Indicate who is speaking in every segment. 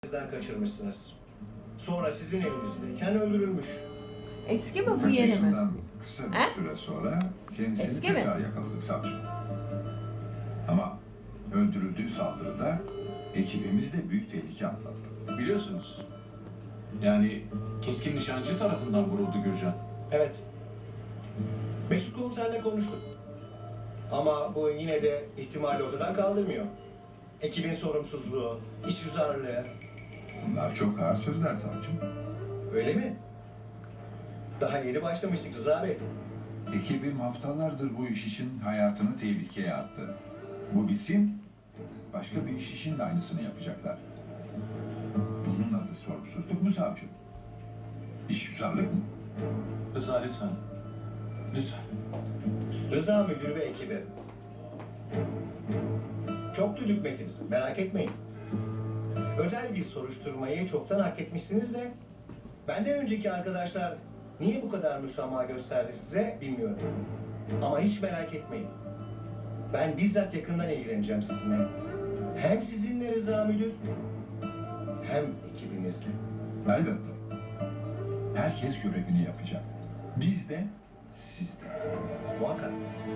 Speaker 1: elinizden kaçırmışsınız. Sonra sizin elinizdeyken öldürülmüş.
Speaker 2: Eski mi bu
Speaker 3: Kaç
Speaker 2: yeni mi?
Speaker 3: yaşından kısa bir süre sonra kendisini
Speaker 2: Eski mi?
Speaker 3: tekrar yakaladık savcı. Ama öldürüldüğü saldırıda ekibimiz de büyük tehlike atlattı.
Speaker 4: Biliyorsunuz. Yani keskin nişancı tarafından vuruldu Gürcan.
Speaker 1: Evet. Mesut komiserle konuştuk. Ama bu yine de ihtimali ortadan kaldırmıyor. Ekibin sorumsuzluğu, işgüzarlığı.
Speaker 3: Bunlar çok ağır sözler savcım.
Speaker 1: Öyle mi? Daha yeni başlamıştık Rıza Bey.
Speaker 3: Ekibim haftalardır bu iş için hayatını tehlikeye attı. Bu bitsin, başka bir iş için de aynısını yapacaklar. Bunun adı sorumsuzluk mu savcım? İşgüzarlık mı?
Speaker 4: Rıza lütfen. Lütfen.
Speaker 1: Rıza müdür ve ekibi. Çok düdük metiniz, merak etmeyin. Özel bir soruşturmayı çoktan hak etmişsiniz de benden önceki arkadaşlar niye bu kadar müsamaha gösterdi size bilmiyorum. Ama hiç merak etmeyin. Ben bizzat yakından ilgileneceğim sizinle. Hem sizinle Rıza müdür hem ekibinizle.
Speaker 3: Elbette. Herkes görevini yapacak. Biz de, siz de.
Speaker 1: Muhakkak.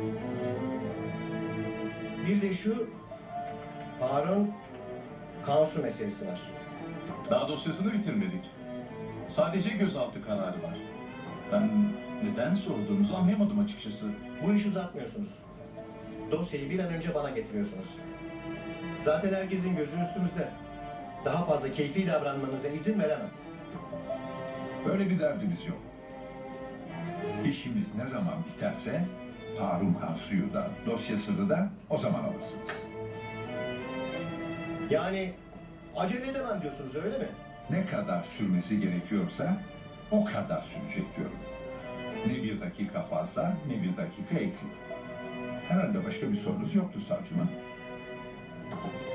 Speaker 1: Bir de şu Harun Kansu meselesi var.
Speaker 4: Daha dosyasını bitirmedik. Sadece gözaltı kararı var. Ben neden sorduğunuzu anlayamadım açıkçası.
Speaker 1: Bu işi uzatmıyorsunuz. Dosyayı bir an önce bana getiriyorsunuz. Zaten herkesin gözü üstümüzde. Daha fazla keyfi davranmanıza izin veremem.
Speaker 3: Böyle bir derdimiz yok. İşimiz ne zaman biterse Harun Kansu'yu da dosyasını da o zaman alırsınız.
Speaker 1: Yani acele edemem diyorsunuz öyle mi?
Speaker 3: Ne kadar sürmesi gerekiyorsa o kadar sürecek diyorum. Ne bir dakika fazla ne bir dakika eksik. Herhalde başka bir sorunuz yoktu savcıma.